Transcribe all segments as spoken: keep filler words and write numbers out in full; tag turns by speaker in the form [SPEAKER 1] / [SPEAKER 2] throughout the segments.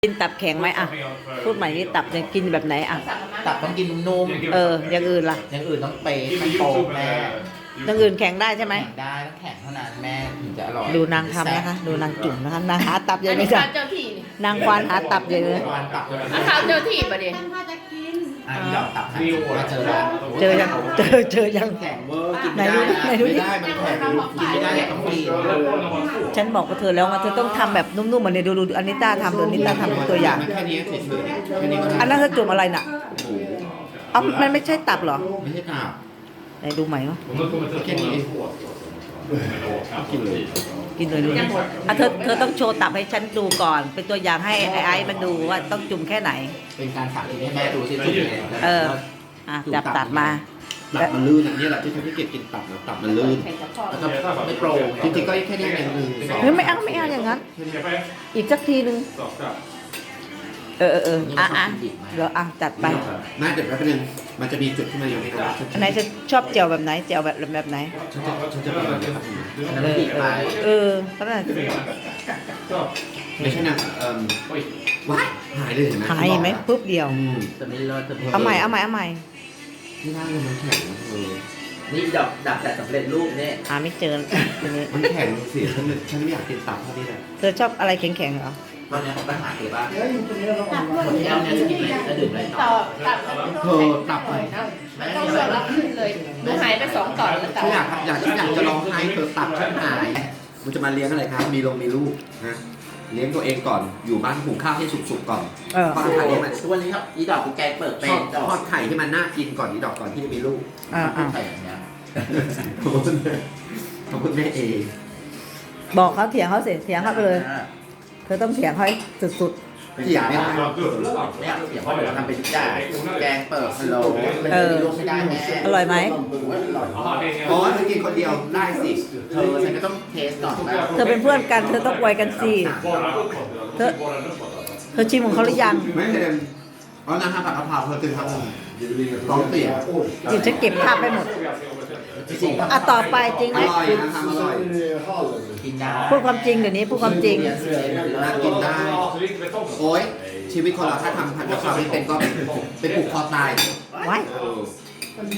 [SPEAKER 1] กินตับแข็งไหมอ่ะพูดใหม่นี่ตับจะกินแบบไหนอ่ะ
[SPEAKER 2] ตับต้องกินนุ่ม
[SPEAKER 1] เอออย่างอื่นล่ะ
[SPEAKER 2] อย่างอื่นต้องเป๊ะต้องโตแม่
[SPEAKER 1] อย่างอื่นแข็งได้ใช่ไหม
[SPEAKER 2] แข็งได้ต้องแข็งเท่านั้นแม่ถึงจะอร่อย
[SPEAKER 1] ดูนางทำนะคะดูนางจุ่มนะคะนางหาตับใหญ่เลยจ้ะ
[SPEAKER 3] เจ้าที่นี่
[SPEAKER 1] นางควานหาตับใหญ่เลย
[SPEAKER 2] วานตับเลย
[SPEAKER 3] อาข้าวเจ้าที่ปะเดี๋ยว
[SPEAKER 2] อ่ะอีดอกตับมาเจอแล้ว
[SPEAKER 1] เจอยังเจอเจอยัง
[SPEAKER 2] แข็งเวอร์กิน
[SPEAKER 1] ไหน
[SPEAKER 2] ไม่
[SPEAKER 1] ดู
[SPEAKER 2] ได้
[SPEAKER 1] ดิไหนดูดิ
[SPEAKER 2] ไม่ได้มันแข็งกินไม่ได้ต้องกิน
[SPEAKER 1] ฉันบอกกับเธอแล้วว่าเธอต้องทำแบบนุ่มๆเหมือนในดูดูอันนิต้าทำดูอันนิต้าทำเป็นตัวอย่าง
[SPEAKER 2] แค่นี้เฉยๆแค่นี้ก็ได้
[SPEAKER 1] อันนั้นเธอจุ่มอะไรน่ะเอ้ามันไม่ใช่ตับเหรอ
[SPEAKER 2] ไม่ใช่ตับ
[SPEAKER 1] ไหนดูใหม่วะ
[SPEAKER 2] แค่นี้กินเลย
[SPEAKER 1] กินเลยดูดิอ่ะเธอเธอต้องโชว์ตับให้ฉันดูก่อน เป็นตัวอย่างให้ไอ้ไอ้มันดูว่าต้องจุ่มแค่ไหน
[SPEAKER 2] เป็นการสาธิตให้แม่ดูสิจุ่มยังไง
[SPEAKER 1] เอออ่ะจับตัดมา
[SPEAKER 2] ตับมันลื่นอันนี้แหละที่ทำให้เก็บกินตับนะตับมันลื่นแล้วก็ไม่โปร่งจริงๆก็แค่นี้เองหนึ่งสอง
[SPEAKER 1] เฮ้ยไม่เอาไม่เอาอย่างนั้น อีกสักทีนึงเออเออเอออ่ะอ่ะเดี๋ยวอ่ะจัดไป
[SPEAKER 2] น่าเดี๋ยวแป๊บนึงมันจะมีจุดที่มันยังไม่ได้
[SPEAKER 1] อันไหนจะชอบเจียวแบบไหนเจียวแบบแบบไหน
[SPEAKER 2] ฉันจะฉันจะเป็นแบบนี้ครับอันนั้นบีบไป
[SPEAKER 1] เออก็ได้
[SPEAKER 2] ไม่ใช่นางเอ่อว้ายหายเลยเห็นไหม
[SPEAKER 1] หายเห็นไหมปุ๊บเดียว
[SPEAKER 2] อืม
[SPEAKER 4] จะไม่รอดจะ
[SPEAKER 1] เอาใหม่เอาใหม่เอาใหม่
[SPEAKER 2] ที่นั่งมันแข็งนะเธอ
[SPEAKER 4] นี่ดับดับแต่สำเร็จรูปเนี่ย
[SPEAKER 1] หาไม่เจอทีนี้
[SPEAKER 2] มันแข็งสิฉันฉันไม่อยากกินตับเท่านี้แหละ
[SPEAKER 1] เธอชอบอะไรแข็งๆเหรอ
[SPEAKER 4] ตอนนี้ปัญหาคือว่าคนที่เอาเนี่ยจะกินอะไรจะดื่มอะไรต่
[SPEAKER 3] ต่
[SPEAKER 4] อ
[SPEAKER 3] อตับ
[SPEAKER 2] เธอตับไป
[SPEAKER 3] ไม่ต้องสลับขึ้นเลยหนูหายไปสองต่อนแล้วตับ
[SPEAKER 2] ฉันอยากอยากฉันอยากจะร้องไห้เธอตับฉันหายมันจะมาเลี้ยงอะไรครับมีลงมีลูกนะเลี้ยงตัวเองก่อนอยู่บ้านหุงข้าวให้สุกๆก่อน
[SPEAKER 1] เออ
[SPEAKER 2] ทอดไข่ให้มัน
[SPEAKER 4] ทุกวันนี้ครับอีดอกคือแกงเปิด
[SPEAKER 2] ท
[SPEAKER 4] เป็
[SPEAKER 2] อด
[SPEAKER 4] นดอก
[SPEAKER 2] ทอดไข่ให้มันน่ากินก่อนนี่ดอกก่อนที่จะมีลูก
[SPEAKER 1] อ่าอ่า
[SPEAKER 4] ไข่อย่างเงี้ย
[SPEAKER 2] ขอบคุณแม่ขอบคุณแม่เอง
[SPEAKER 1] บอกเขาเถียงเขาเสียเถียงเขาไปเลย เธอต้องเถียงเขาให้สุด
[SPEAKER 2] เถียงไม่ได้
[SPEAKER 4] เนี่ยเสียงว่าเราทำเป็นทุกอย่างแกงเปิดพะโล้มันจะมีลูกไม่ได้แม่
[SPEAKER 1] ๆ อร่อยไหม
[SPEAKER 2] อ๋อเธอกินคนเดียวได้สิ
[SPEAKER 4] เธอฉันก็ต้องเทสก่อนว่า
[SPEAKER 1] เธอเป็นเพื่อนกันเธอต้องไวกันสิเธอเธอชิมของเขาหรือยัง
[SPEAKER 2] ไม่เห็นอ๋อน้ำผัดกะเพราเธอตื่นครับท้องเสีย
[SPEAKER 1] จิตฉันเก็บภาพไปหมด
[SPEAKER 4] จริง
[SPEAKER 1] อ่ะต่อไปจริง
[SPEAKER 2] อ
[SPEAKER 1] ไหม
[SPEAKER 2] ร่อยนะครับอร่อย
[SPEAKER 4] กินได้
[SPEAKER 1] พูดความจริงเดี๋ยวนี้พูดความจริง
[SPEAKER 2] น่ากินได้ โอ้ยชีวิตคนเราถ้าทำผัดกะเพราไม่เป็นก็ไปปลูกคอตาย
[SPEAKER 1] ไว้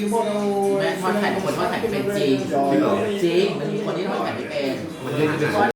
[SPEAKER 4] แม่ทอดไข่บางคนทอดไข่ไม่เป็นจริง
[SPEAKER 2] จริงเหรอ
[SPEAKER 4] จริงมันมีคนที่ทอดไข่ไม่เป็น
[SPEAKER 2] มันเล่นอาหาร